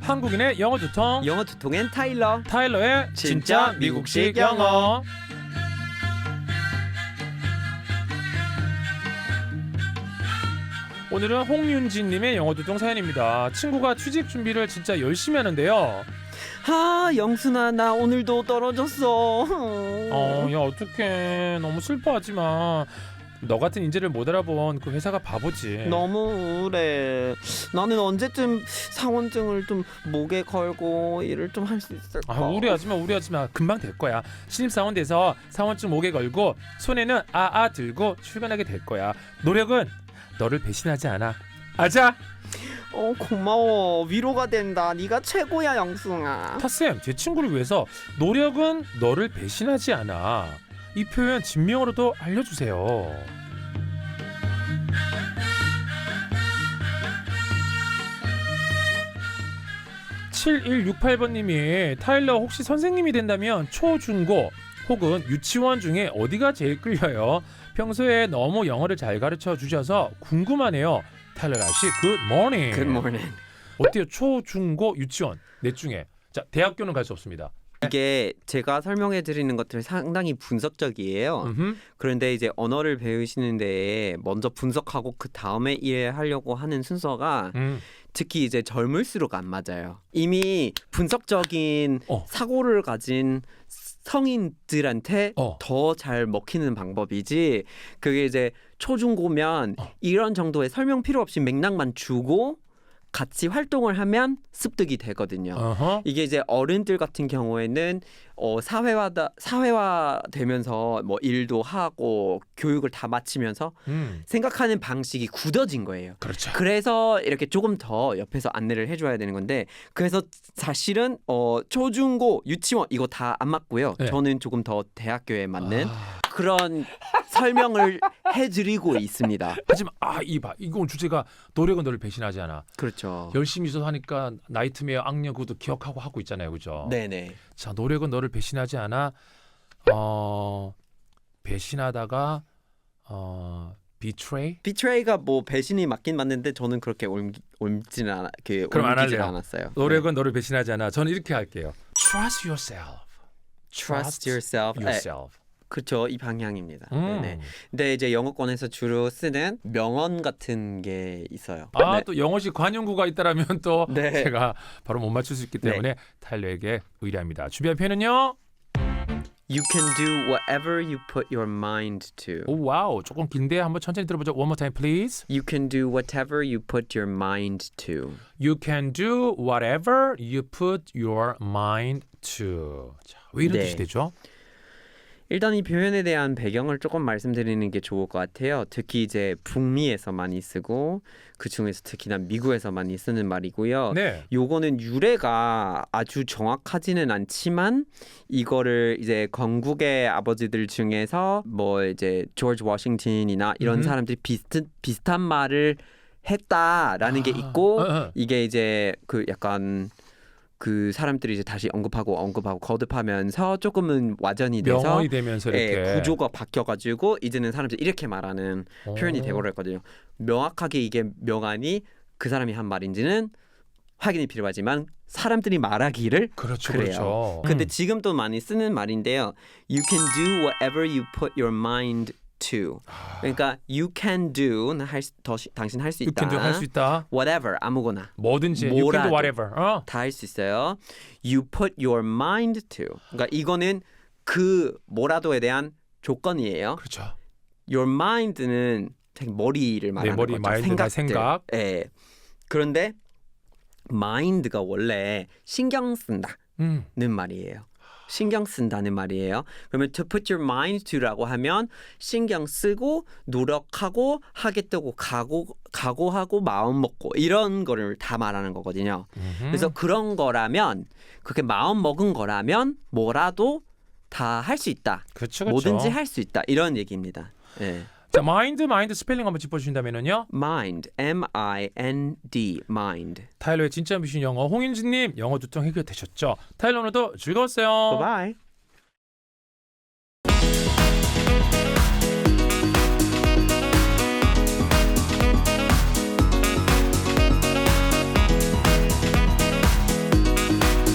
한국인의 영어 두통, 영어 두통엔 타일러. 타일러의 진짜 미국식 영어. 오늘은 홍윤진님의 영어 두통 사연입니다. 친구가 취직 준비를 진짜 열심히 하는데요. 영순아, 나 오늘도 떨어졌어. 야 어떡해. 너무 슬퍼하지 마. 너 같은 인재를 못 알아본 그 회사가 바보지. 너무 우울해. 나는 언제쯤 사원증을 좀 목에 걸고 일을 좀 할 수 있을까? 우려하지 마. 금방 될 거야. 신입사원 돼서 사원증 목에 걸고 손에는 들고 출근하게 될 거야. 노력은 너를 배신하지 않아. 아자. 고마워. 위로가 된다. 네가 최고야, 영순아. 타쌤, 제 친구를 위해서 노력은 너를 배신하지 않아. 이 표현 진명으로도 알려주세요. 7168번님이 타일러 혹시 선생님이 된다면 초, 중, 고 혹은 유치원 중에 어디가 제일 끌려요? 평소에 너무 영어를 잘 가르쳐 주셔서 궁금하네요. 타일러 아씨, 굿모닝. 굿모닝. 어때요? 초, 중, 고, 유치원 넷 중에 자 대학교는 갈 수 없습니다. 이게 제가 설명해 드리는 것들 상당히 분석적이에요. 그런데 이제 언어를 배우시는데 먼저 분석하고 그 다음에 일하려고 하는 순서가 특히 이제 젊을수록 안 맞아요. 이미 분석적인 사고를 가진 성인들한테 더 잘 먹히는 방법이지, 그게 이제 초중고면 이런 정도의 설명 필요 없이 맥락만 주고 같이 활동을 하면 습득이 되거든요. 이게 이제 어른들 같은 경우에는 사회화 되면서 뭐 일도 하고 교육을 다 마치면서 생각하는 방식이 굳어진 거예요. 그렇죠. 그래서 이렇게 조금 더 옆에서 안내를 해줘야 되는 건데, 그래서 사실은 초중고 유치원 이거 다 안 맞고요. 네. 저는 조금 더 대학교에 맞는 그런 설명을 해드리고 있습니다. 하지만 이건 주제가 노력은 너를 배신하지 않아. 그렇죠. 열심히 있어서 하니까 나이트메어 악령 그것도 기억하고 하고 있잖아요, 그죠? 네네. 자, 노력은 너를 배신하지 않아. 배신하다가 betray가 뭐 배신이 맞긴 맞는데 저는 그렇게 옮지는 않아. 그럼 안 할래요. 않았어요. 노력은 너를 배신하지 않아. 저는 이렇게 할게요. Trust yourself. Trust yourself. 그렇죠. 이 방향입니다. 네네. 근데 이제 영어권에서 주로 쓰는 명언 같은 게 있어요. 네. 또 영어식 관용구가 있다라면 또 네. 제가 바로 못 맞출 수 있기 때문에 타일러에게 의뢰합니다. 준비한 표현은요? You can do whatever you put your mind to. 오, 와우, 조금 긴데 한번 천천히 들어보죠. One more time, please. You can do whatever you put your mind to. You can do whatever you put your mind to. 자, 왜 이런 네. 뜻이 되죠? 일단 이 표현에 대한 배경을 조금 말씀드리는 게 좋을 것 같아요. 특히 이제 북미에서 많이 쓰고 그 중에서 특히나 미국에서 많이 쓰는 말이고요. 네. 요거는 유래가 아주 정확하지는 않지만 이거를 이제 건국의 아버지들 중에서 뭐 이제 조지 워싱턴이나 이런 사람들이 비슷한 말을 했다라는 게 있고 이게 이제 그 약간 그 사람들이 이제 다시 언급하고 거듭하면서 조금은 와전이 돼서 명언이 되면서 이렇게 구조가 바뀌어가지고 이제는 사람들이 이렇게 말하는 표현이 되버렸거든요. 명확하게 이게 명안이 그 사람이 한 말인지는 확인이 필요하지만 사람들이 말하기를 그렇죠, 그래요. 그렇죠. 근데 지금 또 많이 쓰는 말인데요. You can do whatever you put your mind to. 그러니까 you can do 당신 할 수 You 있다. can do 할 수 있다. whatever 아무거나. 뭐든지 you can do whatever. 다 할 수 있어요. You put your mind to. 그러니까 이거는 그 뭐라도에 대한 조건이에요. 그렇죠. Your mind는 머리를 말하는 머리, 거죠. 마인드나 생각. 예. 그런데 mind가 원래 신경 쓴다는 말이에요. 신경 쓴다는 말이에요. 그러면 to put your mind to라고 하면 신경 쓰고 노력하고 하겠다고 각오하고 마음 먹고 이런 거를 다 말하는 거거든요. 그래서 그런 거라면 그렇게 마음 먹은 거라면 뭐라도 다 할 수 있다. 그렇죠. 뭐든지 할 수 있다. 이런 얘기입니다. 예. 자, 마인드 스펠링 한번 짚어주신다면요. mind, M-I-N-D, mind. 타일러의 진짜 미션 영어 홍인진님 영어 두통 해결되셨죠? 타일러 오늘도 즐거웠어요. Bye bye.